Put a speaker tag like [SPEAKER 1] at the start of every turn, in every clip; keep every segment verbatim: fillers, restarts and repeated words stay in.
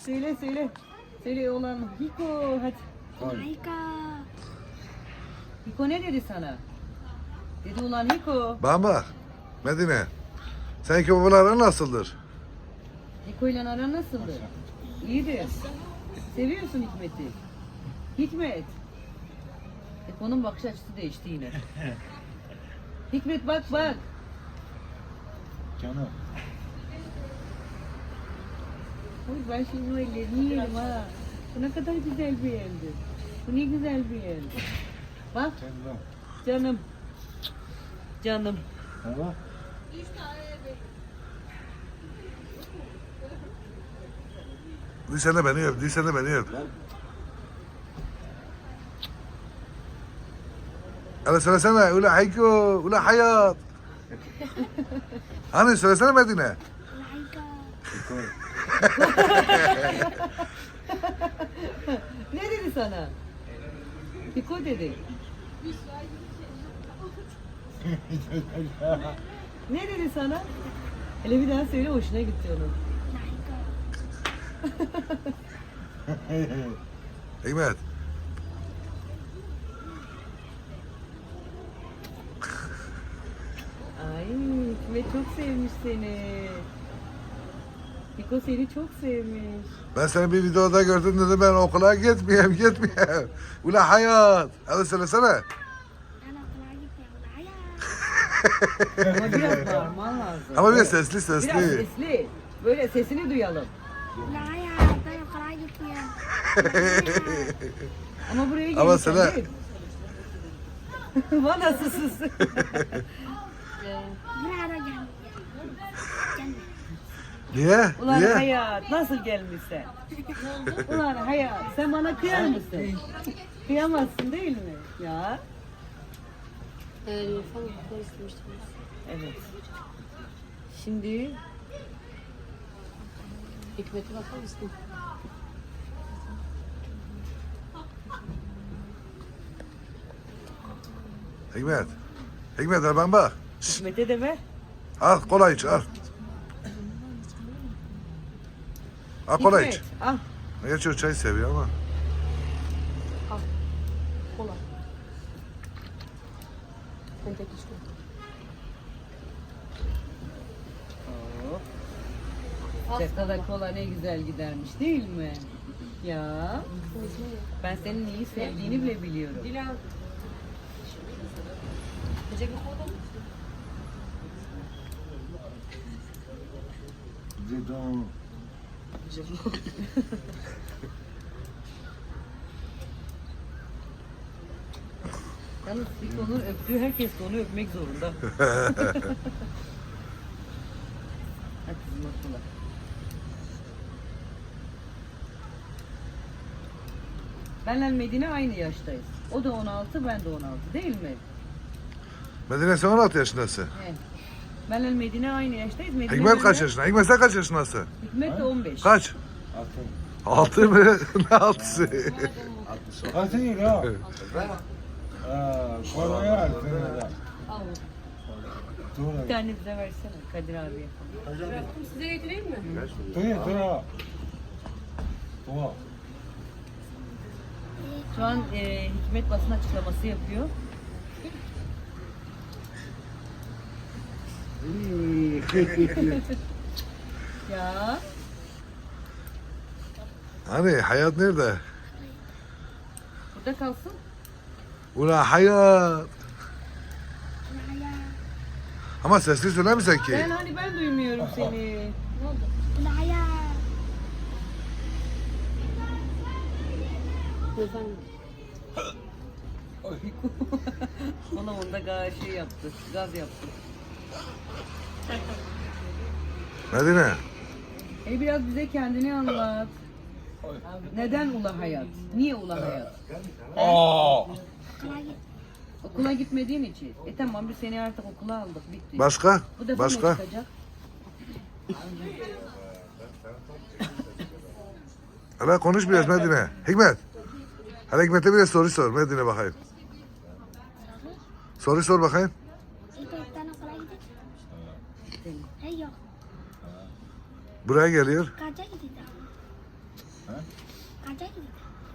[SPEAKER 1] Söyle söyle. Söyle oğlan. Hiko hadi.
[SPEAKER 2] Harika.
[SPEAKER 1] Hiko ne dedi sana? Dedi ulan Hiko.
[SPEAKER 3] Bana bak. Medine. Seninki babaların nasıldır?
[SPEAKER 1] Hiko ile aran nasıldı? İyidir. Seviyorsun Hikmet'i. Hikmet. Hiko'nun bakış açısı değişti yine. Hikmet bak bak.
[SPEAKER 4] Canım.
[SPEAKER 1] Oy ben şimdi bu ellerini yerim ha. Bu ne kadar güzel bir eldi. Bu ne güzel bir eldi. Bak
[SPEAKER 4] Canım.
[SPEAKER 1] canım. Canım.
[SPEAKER 4] Baba.
[SPEAKER 3] Sen de beni öp. Sen de beni öp. Hele söylesene. Ula Hayko. Ula Hayat. Hani söylesene Medine.
[SPEAKER 2] Harika.
[SPEAKER 1] Ne dedi sana? Hiko dedi. Ne dedi sana? Hele bir daha söyle hoşuna gitti onun.
[SPEAKER 3] Hikmet.
[SPEAKER 1] Ay Hikmet çok sevmiş seni. Hiko seni çok sevmiş.
[SPEAKER 3] Ben seni bir videoda gördüm dedim ben okula gitmeyeyim gitmeyeyim. Ula Hayat. Hadi söylesene.
[SPEAKER 2] Ben okula gitmiyorum. Hayır.
[SPEAKER 1] Ama biraz bağırman lazım.
[SPEAKER 3] Ama bir
[SPEAKER 1] Evet.
[SPEAKER 3] sesli
[SPEAKER 1] Biraz
[SPEAKER 3] sesli.
[SPEAKER 1] sesli. Böyle sesini duyalım.
[SPEAKER 2] Hayır. Ben okula gitmiyorum.
[SPEAKER 1] Ama buraya gelirken
[SPEAKER 3] Ama sana-
[SPEAKER 1] değil. Bana sus.
[SPEAKER 2] Buraya da gel. Gelme.
[SPEAKER 3] Niye?
[SPEAKER 1] Ulan
[SPEAKER 3] Niye?
[SPEAKER 1] hayat nasıl gelmişsin? Ulan hayat sen bana kıyar mısın? Kıyamazsın değil mi? Ya.
[SPEAKER 5] Ee, Nilüfer Mutlu'yu istemiştim.
[SPEAKER 1] Evet. Şimdi
[SPEAKER 5] Hikmet'e bakar mısın?
[SPEAKER 3] Hikmet. Hikmet al ben bak. Şşt,
[SPEAKER 1] Hikmet'e de ver.
[SPEAKER 3] al kola iç al. Al kola iç.
[SPEAKER 1] Hikmet, al.
[SPEAKER 3] Gerçi o çay seviyor ama.
[SPEAKER 5] Kola. Sen tek içme.
[SPEAKER 1] Çakala kola ne güzel gidermiş değil mi? Ya. Ben senin iyi sevdiğini bile biliyorum.
[SPEAKER 5] Dilan. Yiyecek mi kola?
[SPEAKER 4] Dedon.
[SPEAKER 1] Yalnız Hiko'nun öptüğü herkes de onu öpmek zorunda. Hadi kızım okula. Benle Medine aynı yaştayız. O da on altı, ben de on altı değil mi?
[SPEAKER 3] Medine sen on altı yaşındasın.
[SPEAKER 1] He. Benle Medine aynı yaştayız. Medine
[SPEAKER 3] Hikmet kaç
[SPEAKER 1] benle-
[SPEAKER 3] yaşında? Hikmet sen kaç yaşındasın?
[SPEAKER 1] Hikmet de on beş.
[SPEAKER 3] Kaç?
[SPEAKER 4] Altın.
[SPEAKER 3] Altı mı? Ne altısı?
[SPEAKER 4] Altın değil ha. Aa, kolaya altın da.
[SPEAKER 5] Al.
[SPEAKER 1] Bir tane bize versene Kadir abiye.
[SPEAKER 5] Bıraktım size getireyim mi?
[SPEAKER 4] Dur dur. Dur.
[SPEAKER 1] Şu an e, Hikmet basın açıklaması yapıyor. Ya
[SPEAKER 3] Hani hayat nerede?
[SPEAKER 1] burada kalsın.
[SPEAKER 3] Ula hayat.
[SPEAKER 2] Hayır.
[SPEAKER 3] Ama sesli söyler misin ki?
[SPEAKER 1] Ben hani ben duymuyorum seni.
[SPEAKER 5] Ne oldu?
[SPEAKER 2] Hayır.
[SPEAKER 5] Efendim.
[SPEAKER 1] Bana onda gaz şey yaptı, gaz yaptı.
[SPEAKER 3] Medine.
[SPEAKER 1] E biraz bize kendini anlat. Neden Ula Hayat? Niye Ula Hayat?
[SPEAKER 4] Aa.
[SPEAKER 2] Okula git.
[SPEAKER 1] Okula gitmediğin için. E tamam biz seni artık okula aldık, bitti.
[SPEAKER 3] Başka?
[SPEAKER 1] Bu defa
[SPEAKER 3] Başka?
[SPEAKER 1] ne çıkacak?
[SPEAKER 3] Hala konuş biraz Medine. Hikmet. Hala Hikmet'e bir soru sor Medine bakayım. Soru sor bakayım.
[SPEAKER 2] İpekten okula gidecek. Hey yok.
[SPEAKER 3] Buraya geliyor.
[SPEAKER 2] Kaça gideceğim? Kaça gidiyor?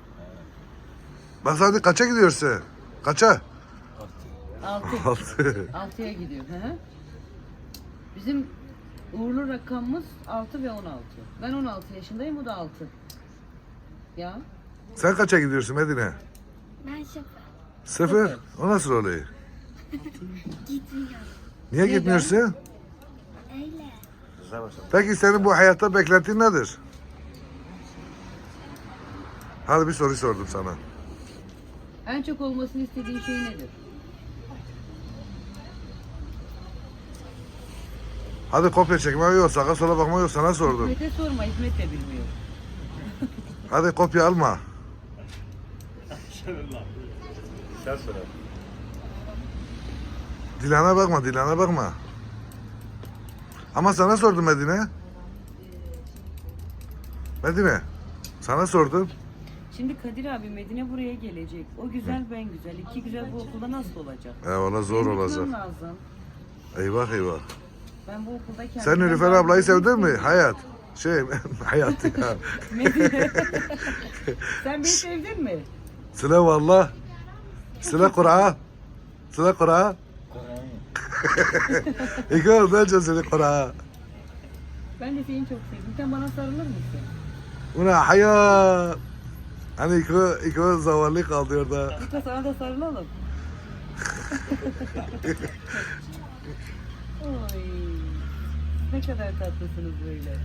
[SPEAKER 3] Bak hadi kaça gidiyorsun? Kaça?
[SPEAKER 1] Altı.
[SPEAKER 3] Altı.
[SPEAKER 1] Altıya gidiyor. Hı hı. Bizim uğurlu rakamımız altı ve on altı. Ben on altı yaşındayım, o da altı. Ya.
[SPEAKER 3] Sen kaça gidiyorsun Medine?
[SPEAKER 2] Ben sıfır.
[SPEAKER 3] Sıfır. O nasıl oluyor?
[SPEAKER 2] Gitmiyorum.
[SPEAKER 3] Niye
[SPEAKER 1] Neden?
[SPEAKER 3] gitmiyorsun?
[SPEAKER 2] Öyle.
[SPEAKER 3] Peki senin bu hayatta beklentin nedir? Hadi bir soru sordum sana.
[SPEAKER 1] En çok olmasını istediğin şey nedir?
[SPEAKER 3] Hadi kopya çekme yok, sağa sola bakma yok, sana sordum.
[SPEAKER 1] Hikmet'e sorma, Hikmet de bilmiyor.
[SPEAKER 3] Hadi kopya alma.
[SPEAKER 4] Sen söyle.
[SPEAKER 3] Dilan'a bakma, Dilan'a bakma. Ama sana sordum Medine. Medine, sana sordum.
[SPEAKER 1] Şimdi Kadir abi Medine buraya gelecek. O güzel ben güzel. İki güzel bu okulda nasıl olacak?
[SPEAKER 3] Ya valla zor
[SPEAKER 1] Benim
[SPEAKER 3] olacak.
[SPEAKER 1] gitmem lazım.
[SPEAKER 3] Eyvah eyvah.
[SPEAKER 1] Ben bu okulda kendimden
[SPEAKER 3] Sen Nilüfer
[SPEAKER 1] daha
[SPEAKER 3] ablayı
[SPEAKER 1] güzel
[SPEAKER 3] sevdin mi?
[SPEAKER 1] hissediyorum.
[SPEAKER 3] Hayat. Şey, hayat ya.
[SPEAKER 1] Medine. Sen beni sevdin mi?
[SPEAKER 3] Sıla valla. Sıla Kur'a. Sıla Kur'a. İki oldu önce Sıla Kur'a.
[SPEAKER 1] Ben de seni çok sevdim. Sen bana sarılır mısın?
[SPEAKER 3] Una hayat. Hani iki, iki zavallı kaldı orada.
[SPEAKER 1] Lütfen sana da sarılalım. Oy. Ne kadar tatlısınız böyle.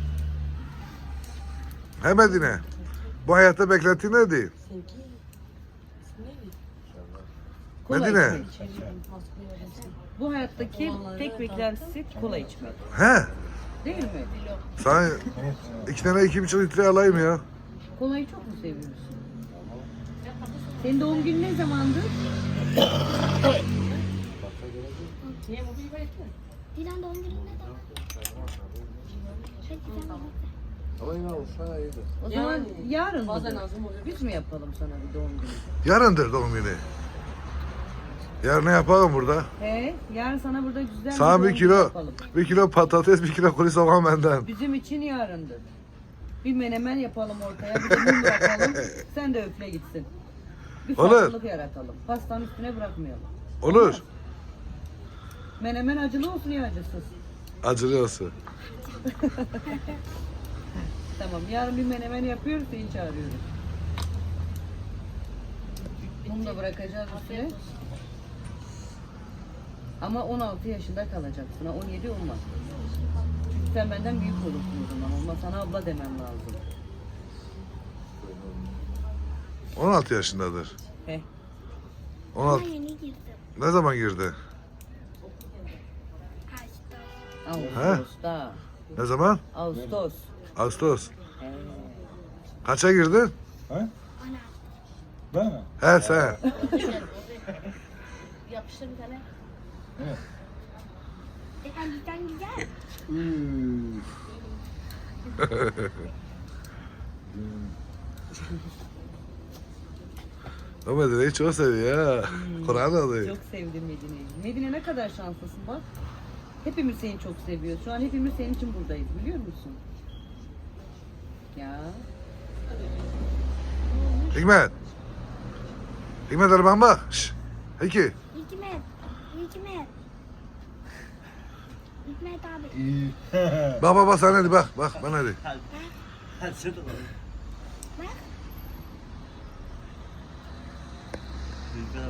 [SPEAKER 3] He Medine. Bu hayatta beklenti neydi?
[SPEAKER 5] Sevgi. İsmi neydi?
[SPEAKER 1] Kola
[SPEAKER 3] Medine.
[SPEAKER 1] içmek. Bu hayattaki tek beklentisi kola içmek.
[SPEAKER 3] He.
[SPEAKER 1] Değil mi?
[SPEAKER 3] Sana iki tane iki buçuk litre alayım ya.
[SPEAKER 1] Kolayı çok mu seviyorsun? Senin doğum günün ne zamandı?
[SPEAKER 5] Niye bu bir etti?
[SPEAKER 2] Dilan doğum günü ne zaman? Peki sen
[SPEAKER 1] O zaman
[SPEAKER 5] Yani,
[SPEAKER 1] yarın
[SPEAKER 5] bazen
[SPEAKER 1] mı?
[SPEAKER 5] lazım oluyor.
[SPEAKER 1] Biz mi yapalım sana bir doğum günü?
[SPEAKER 3] Yarındır doğum günü. Yarın ne yapalım burada?
[SPEAKER 1] He, yarın sana burada güzel
[SPEAKER 3] Sana
[SPEAKER 1] doğum
[SPEAKER 3] bir
[SPEAKER 1] günü
[SPEAKER 3] kilo,
[SPEAKER 1] yapalım.
[SPEAKER 3] bir kilo patates, bir kilo kuru soğan benden.
[SPEAKER 1] Bizim için yarındır. Bir menemen yapalım ortaya, bir de mum bırakalım. Sen de öfle gitsin. Bir
[SPEAKER 3] Olur.
[SPEAKER 1] farklılık yaratalım. Pastanın üstüne bırakmayalım.
[SPEAKER 3] Olur.
[SPEAKER 1] Menemen acılı olsun ya acısız.
[SPEAKER 3] Acılı olsun.
[SPEAKER 1] Tamam, yarın bir menemen yapıyoruz, seni çağırıyoruz. Mum da bırakacağız üstüne. Ama on altı yaşında kalacaksın, ha, on yedi olmaz. Çünkü sen benden büyük olursun o zaman. Olmaz, sana abla demem lazım.
[SPEAKER 3] on altı yaşındadır.
[SPEAKER 1] He.
[SPEAKER 3] on altı.
[SPEAKER 2] Ama yeni girdim.
[SPEAKER 3] Ne zaman girdi?
[SPEAKER 2] Açtım.
[SPEAKER 1] Ağustos'ta.
[SPEAKER 3] Ne zaman?
[SPEAKER 1] Ağustos.
[SPEAKER 3] Ağustos.
[SPEAKER 1] He.
[SPEAKER 3] Kaça girdin?
[SPEAKER 4] Ha?
[SPEAKER 2] On altı.
[SPEAKER 4] Ben mi?
[SPEAKER 3] He sen.
[SPEAKER 5] Yapıştır bir tane.
[SPEAKER 4] Evet.
[SPEAKER 2] E sen güzel.
[SPEAKER 3] O Medine'yi çok seviyor ya. Kur'an alıyor.
[SPEAKER 1] Çok sevdim Medine'yi. Medine ne kadar şanslısın bak. Hepimiz seni çok seviyoruz. Şu an hepimiz senin için buradayız, biliyor musun? Ya.
[SPEAKER 3] Hikmet. Hikmet araban bak. Şşş. Hiki.
[SPEAKER 2] Hikmet. Hikmet. Hikmet abi.
[SPEAKER 4] İyi.
[SPEAKER 3] Bak bak bak sen hadi bak. Bak bana hadi.
[SPEAKER 2] Bak.